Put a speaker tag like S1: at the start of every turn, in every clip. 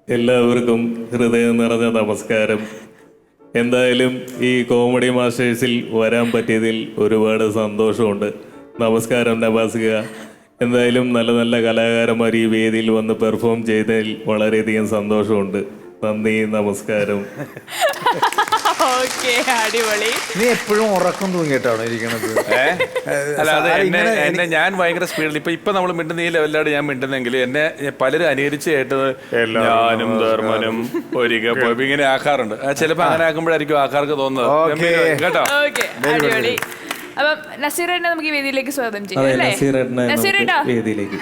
S1: എല്ലാവർക്കും ഹൃദയം നിറഞ്ഞ നമസ്കാരം. എന്തായാലും ഈ കോമഡി മാസ്റ്റേഴ്സിൽ വരാൻ പറ്റിയതിൽ ഒരുപാട് സന്തോഷമുണ്ട്. നമസ്കാരം നവാസിക. എന്തായാലും നല്ല നല്ല കലാകാരന്മാർ ഈ വേദിയിൽ വന്ന് പെർഫോം ചെയ്തതിൽ വളരെയധികം സന്തോഷമുണ്ട്. നന്ദി, നമസ്കാരം.
S2: അടിപൊളി.
S3: നീ എപ്പോഴും ഉറക്കം തൂങ്ങിയിട്ടാണോ ഇരിക്കണത്?
S4: അല്ല, അത് എന്നെ ഞാൻ ഭയങ്കര സ്പീഡിൽ ഇപ്പൊ നമ്മൾ മിണ്ടുന്ന ഈ ലെവലിലാണ് ഞാൻ മിണ്ടുന്നെങ്കിൽ എന്നെ പലരും അനുകരിച്ച് കേട്ടത് ഞാനും ധർമ്മനും ഒരിക്കൽ പോയി ഇങ്ങനെ ആക്കാറുണ്ട്. ചിലപ്പോ അങ്ങനെ ആക്കുമ്പോഴായിരിക്കും ആൾക്കാർക്ക് തോന്നുന്നത് കേട്ടോ.
S2: അടിപൊളി. അപ്പം നസീറേട്ടനെ നമുക്ക് ഈ വേദിയിലേക്ക് സ്വാഗതം ചെയ്യാം അല്ലേ? നസീറേട്ടാ
S1: വേദിയിലേക്ക്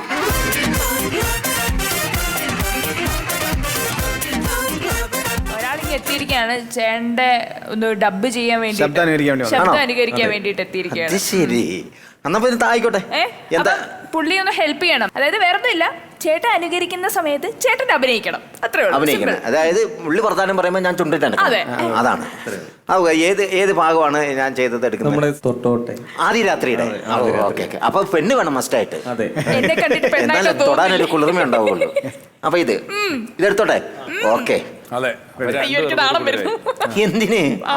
S2: എത്തിയിരിക്കുകയാണ്. ചേട്ടന്റെ ഒന്ന് ഡബ് ചെയ്യാൻ വേണ്ടി, ശബ്ദം അനുകരിക്കാൻ വേണ്ടിട്ട് എത്തിയിരിക്കുകയാണ്.
S5: ശരി, എന്നാ ആയിക്കോട്ടെ.
S2: പുള്ളി ഒന്ന് ഹെൽപ്പ് ചെയ്യണം. അതായത് വേറെ ഇല്ല, ചേട്ടൻ അനുകരിക്കുന്ന സമയത്ത് ചേട്ടൻ അഭിനയിക്കണം, അത്രേ ഉള്ളൂ.
S5: അഭിനയിക്കണം. അതായത് പുള്ളി വർത്താനം പറയുമ്പോൾ ഞാൻ ചുണ്ടിട്ടാണ്. അതാണ്. ഏത് ഭാഗമാണ് ഞാൻ ചെയ്തത് എടുക്കുന്നത്? ആദ്യ രാത്രിയുടെ. അപ്പൊ പെണ്ണ് വേണം മസ്റ്റായിട്ട്.
S2: എന്നെ കണ്ടിട്ട്
S5: എന്നാലും തൊടാനൊരു കുളിർമ ഉണ്ടാവുള്ളൂ. അപ്പൊ ഇതെടുത്തോട്ടെ. ഓക്കെ. എന്തിന്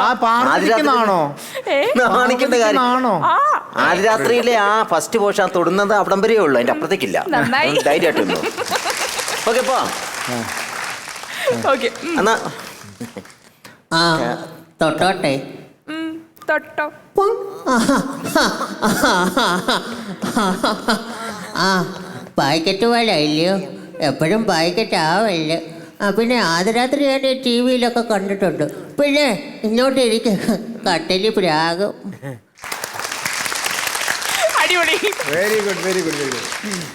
S5: നാണിക്കേണ്ട കാര്യം? ആദ്യ രാത്രിയിലെ ആ ഫസ്റ്റ് പോഷൻ തൊടുന്നത് അവിടം വരെയേ ഉള്ളൂ, അതിന്റെ അപ്പുറത്തേക്കില്ല. ധൈര്യമായിട്ടൊന്നു. ഓക്കെ പോ. എന്നാ
S6: തൊട്ടോട്ടെ.
S2: തൊട്ടോ.
S6: പായ്ക്കറ്റ് പോലെ ഇല്ലയോ? എപ്പോഴും പായ്ക്കറ്റ് ആവല്ലേ. പിന്നെ ആദ്യരാത്രി ഞാൻ ടി വിയിലൊക്കെ കണ്ടിട്ടുണ്ട്. പിന്നെ ഇങ്ങോട്ട് ഇരിക്കും, കട്ടലി പ്രാകും.
S2: അടിപൊളി.
S3: Very good, very good, very good.